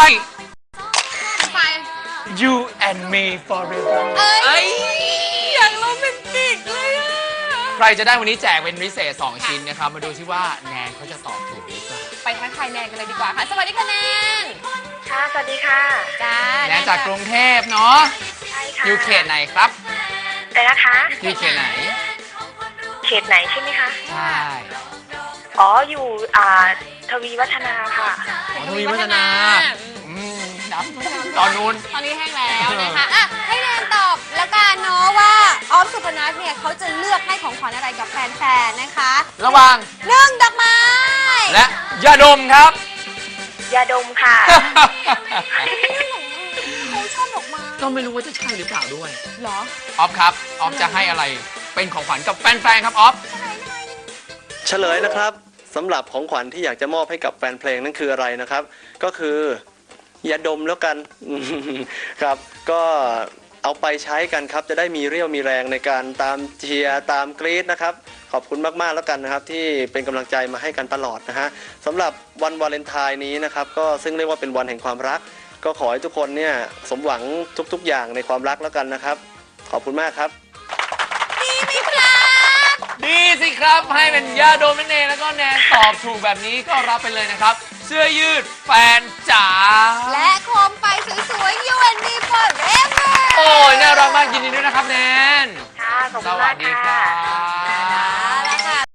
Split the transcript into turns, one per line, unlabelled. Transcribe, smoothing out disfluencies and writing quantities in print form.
ไป
You and me forever
เอ้ยอย่างโรแมนติกเลยอะ
ใครจะได้วันนี้แจกเป็นพิเศษ 2 ชิ้นนะครับ มาดูซิว่าแนนเขาจะตอบถูกหรือเปล่า
ไปทักทายแนนกันเลยดีกว่าค่ะ สวัสดีค่ะแนน
ค่ะ สวัสดีค่ะ
จ้า
แนนจากกรุงเทพเนาะ
ใช่ค่ะ
อยู่เขตไหนครับ
แต่นะคะ
อยู่เขตไหน
เขตไหนใช่ไหมคะ
ใช่
อ๋อ อยู่ทวีวัฒนาค่ะ
อ๋อทวีวัฒนาน้ำตอนนู้น
ตอนนี้แห้งแล้วนะคะอ่ะให้แนนตอบแล้วกันเนาะว่าออฟสุพนัทเนี่ยเขาจะเลือกให้ของขวัญอะไรกับแฟนๆนะคะ
ระหว่าง
1 ดอกไม้
และยาดมครับ
ยาดมค่ะ
เขาชอบดอกไม้
ก็ไม่รู้ว่าจะใช่หรือเปล่าด้วย
เหรอ
ออฟครับ ออฟจะให้อะไรเป็นของขวัญกับแฟนๆครับออฟ
เฉลยนะครับสำหรับของขวัญที่อยากจะมอบให้กับแฟนเพลงนั่นคืออะไรนะครับ ก็คือยาดมแล้วกัน ครับก็เอาไปใช้กันครับจะได้มีเรี่ยวมีแรงในการตามเชียร์ตามกรี๊ดนะครับขอบคุณมากๆแล้วกันนะครับที่เป็นกำลังใจมาให้กันตลอดนะฮะสำหรับวันวาเลนไทน์นี้นะครับก็ซึ่งเรียกว่าเป็นวันแห่งความรัก ก็ขอให้ทุกคนเนี่ยสมหวังทุกๆอย่างในความรักแล้วกันนะครับขอบคุณมากครับ
ดีสิครับให้เป็นยาดมนั่นเองแล้วก็แนนตอบถูกแบบนี้ก็รับไปเลยนะครับ เสื้อยืดแฟนจ๋า
และโคมไฟสวยๆ You and me forever
โอ้ยน่ารักมากยินดีด้วยนะครับแนน
ค่ะ ขอบ
ส
คุณ
วั
มา
ส
ก
ดีค
ค่ะ
รับ